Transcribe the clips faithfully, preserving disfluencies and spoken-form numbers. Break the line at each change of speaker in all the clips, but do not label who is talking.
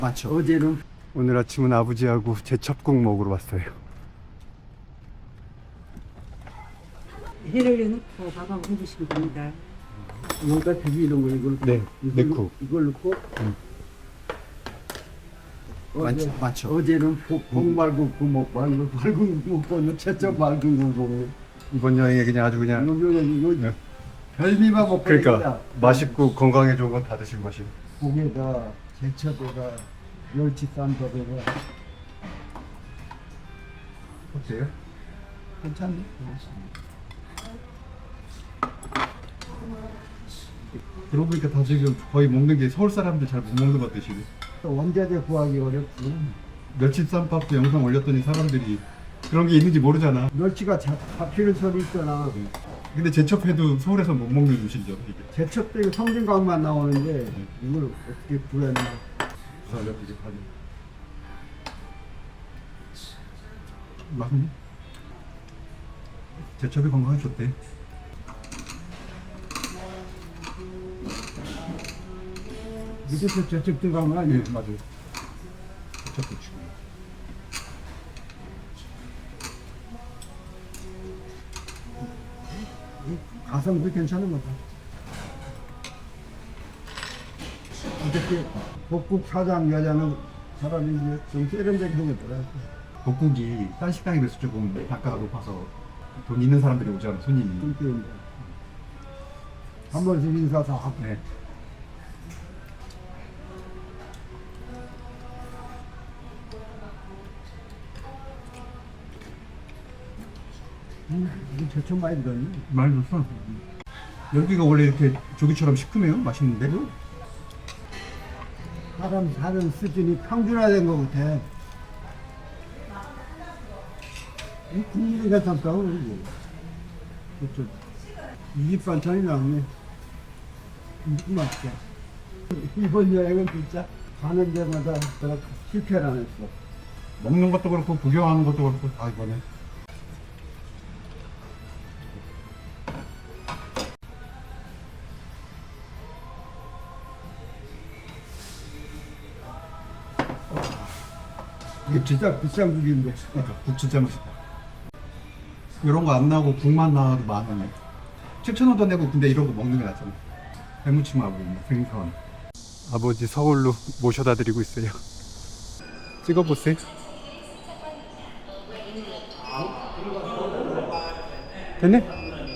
맞죠.
어제는
오늘 아침은 아버지하고 제첩국 먹으러 왔어요.
해를 넣고 밥 한번 해주시면 됩니다. 뭔가 비비 이런 거 이걸
네,
이걸,
넣고.
이걸 넣고
음.
어제,
많죠, 많죠.
어제는 복 말고 구먹 말고 맑은 거 먹고 채점 맑은 거 먹네.
이번 여행에 그냥 아주 그냥
이거 이거
네.
별미만 먹고
그러니까
있다.
맛있고 건강에 좋은 건 다 드시고 가시고.
고기에다 제철에다 멸치 쌈밥에다
어때요?
괜찮네.
그러고 보니까 다 지금 거의 먹는 게 서울 사람들 잘 못 먹는 것 같으시네.
또 원자재 구하기 어렵고
멸치쌈밥도 영상 올렸더니 사람들이 그런 게 있는지 모르잖아.
멸치가 자, 잡히는 소리 있잖아.
근데 제첩해도 서울에서 못 먹는 음식이죠, 이게.
제첩도 이거 성진강만 나오는데 이걸 어떻게 구했나.
부산에 되게 파는. 맛있네. 제첩이 건강에 좋대.
밑에서 제첩 들어간 거 아니에요?
네, 맞아요. 제첩도 치고.
가성비 괜찮은 거다. 어떻게 복국 사장 여자는 사람이 이제 좀 세련되게 생겼더라.
복국이 딴 식당에 비해서 조금 단가가 높아서 돈 있는 사람들이 오잖아, 손님이.
그러니까 한 번씩 인사 다 하고.
네.
음, 이거 제첩 많이 들었네.
많이 줬어. 여기가 원래 이렇게 조기처럼 시큼해요? 맛있는데?
사람 사는 수준이 평준화된 것 같아. 이 국물이 괜찮다. 그리고 그렇죠. 이집 반찬이 나오네. 음, 맛있게. 이번 여행은 진짜 가는 데마다 내가 실패를 안 했어.
먹는 것도 그렇고 구경하는 것도 그렇고 다 이번에.
이게 진짜 비싼 국인데.
그러니까 국 진짜 맛있다. 이런 거 안 나오고 국만 나와도 만 원이야. 칠천 원도 내고 근데 이런 거 먹는 게 낫잖아. 해무침하고 뭐 생선. 아버지 서울로 모셔다 드리고 있어요. 찍어보세요. 됐네?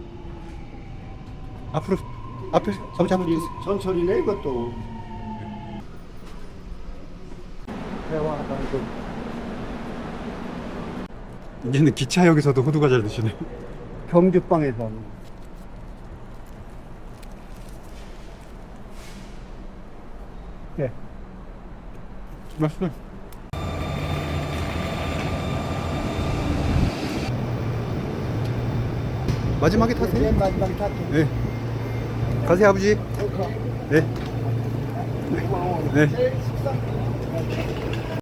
앞으로 앞에 아버지 한번 주세요.
전철이네 이것도. 대화하다 이거.
이제는 기차역에서도 호두가 잘 드시네.
경주빵에서. 예.
맛있어. 마지막에 타세요.
맨 마지막에 탔죠.
네. 가세요 아버지. 네. 네.
식사.